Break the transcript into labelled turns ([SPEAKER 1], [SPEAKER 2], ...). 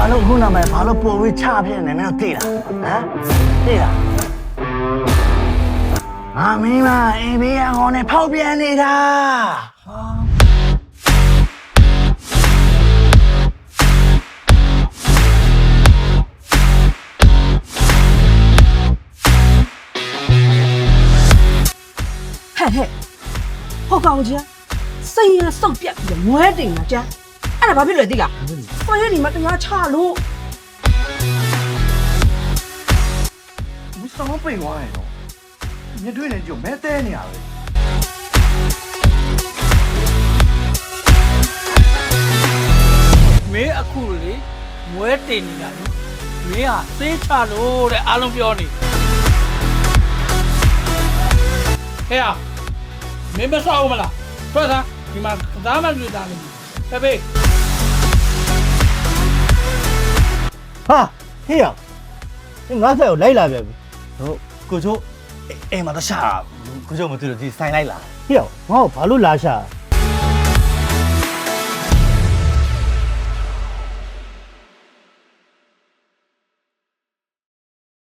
[SPEAKER 1] လို့ခုနကဘာလို့ပို့ပြီးချဖြစ်နေမင်းတို့သိလားဟမ်သိလားမင်းမအေးဘေးကောင်နဲ့ဖောက်ပြန်နေတာ
[SPEAKER 2] ဟဲ့ဟောကောင်ကြီးစိတ်ရစုပ်ပြက်ပြီးမွဲတင်တာကြာအဲ့ဒါဘာဖြစ်လဲသိလားကိုရဒီမှာတရားချလို့
[SPEAKER 1] မစတော့ပိန်သွားတယ်နော်မြင်တွေ့နေကြမဲတဲနေရပဲ
[SPEAKER 3] မင်းအခုလေမွဲတင်နေတာလေမင်းဟာစေးချလို့တဲ့အားလုံးပြောနေဟဲ့မင်းမဆောက်ဘူးမလားထွက်သားဒီမှာသားမတွေ့တာလေတပည့်
[SPEAKER 1] ဟာဟေ့ရငါ့ဆက်ကိုလိုက်လာပြန်ပြီဟုတ်ကိုချိုးအိမ်မှာတော့ရှာကိုချိုးမသိလို့ဒီဆိုင်လိုက်လာဟေ့ရငါ့ကိုဘာလို့လာရှာ